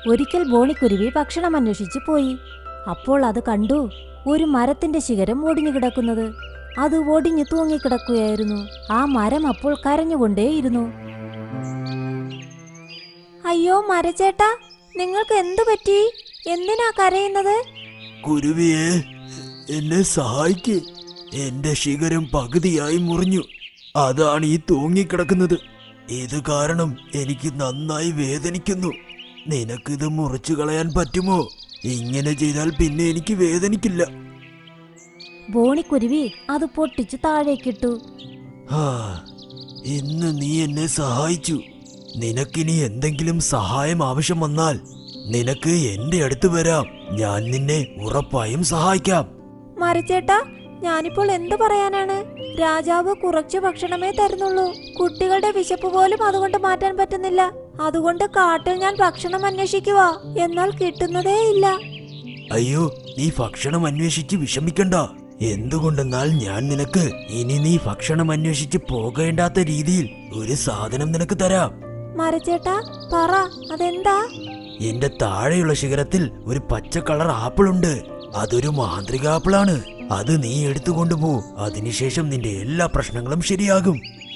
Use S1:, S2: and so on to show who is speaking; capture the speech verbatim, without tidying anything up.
S1: ഒരിക്കൽ ബോണിക്കുരുവി ഭക്ഷണം അന്വേഷിച്ച് പോയി. അപ്പോൾ അത് കണ്ടു ഒരു മരത്തിന്റെ ശിഖരം ഒടിഞ്ഞു കിടക്കുന്നത്. അത് ഒടിഞ്ഞു തൂങ്ങിക്കിടക്കുകയായിരുന്നു. ആ മരം അപ്പോൾ കരഞ്ഞുകൊണ്ടേയിരുന്നു. അയ്യോ മരച്ചേട്ടാ, നിങ്ങൾക്ക് എന്തു പറ്റി? എന്തിനാ കരയുന്നത്?
S2: കുരുവിയെ, എന്നെ സഹായിക്ക്. എന്റെ ശിഖരം പകുതിയായി മുറിഞ്ഞു. അതാണ് ഈ തൂങ്ങിക്കിടക്കുന്നത്. ഇത് കാരണം എനിക്ക് നന്നായി വേദനിക്കുന്നു. നിനക്കിത് മുറിച്ചു കളയാൻ പറ്റുമോ? ഇങ്ങനെ ചെയ്താൽ പിന്നെ എനിക്ക് വേദനിക്കില്ല.
S1: ബോണിക്കുരുവി അത് പൊട്ടിച്ചു താഴേക്കിട്ടു.
S2: ആ, ഇന്ന് നീ എന്നെ സഹായിച്ചു. നിനക്കിനി എന്തെങ്കിലും സഹായം ആവശ്യം വന്നാൽ നിനക്ക് എന്റെ അടുത്ത് വരാം. ഞാൻ നിന്നെ ഉറപ്പായും സഹായിക്കാം.
S1: മരച്ചേട്ടാ, ഞാനിപ്പോൾ എന്തു പറയാനാണ്? രാജാവ് കുറച്ചു ഭക്ഷണമേ തരുന്നുള്ളൂ. കുട്ടികളുടെ വിശപ്പ് പോലും അതുകൊണ്ട് മാറ്റാൻ പറ്റുന്നില്ല. അതുകൊണ്ട് കാട്ടിൽ ഞാൻ ഭക്ഷണം അന്വേഷിക്കുക, എന്നാൽ കിട്ടുന്നതേ ഇല്ല.
S2: അയ്യോ, നീ ഭക്ഷണം അന്വേഷിച്ച് വിഷമിക്കണ്ട. എന്തുകൊണ്ടെന്നാൽ ഞാൻ നിനക്ക് ഇനി നീ ഭക്ഷണം അന്വേഷിച്ച് പോകേണ്ടാത്ത രീതിയിൽ ഒരു സാധനം നിനക്ക് തരാം.
S1: മരച്ചേട്ടാ, പറ, അതെന്താ?
S2: എന്റെ താഴെയുള്ള ശിഖരത്തിൽ ഒരു പച്ച കളർ ആപ്പിൾ ഉണ്ട്. അതൊരു മാന്ത്രിക ആപ്പിളാണ്. അത് നീ എടുത്തുകൊണ്ടുപോ. അതിനുശേഷം നിന്റെ എല്ലാ പ്രശ്നങ്ങളും ശരിയാകും.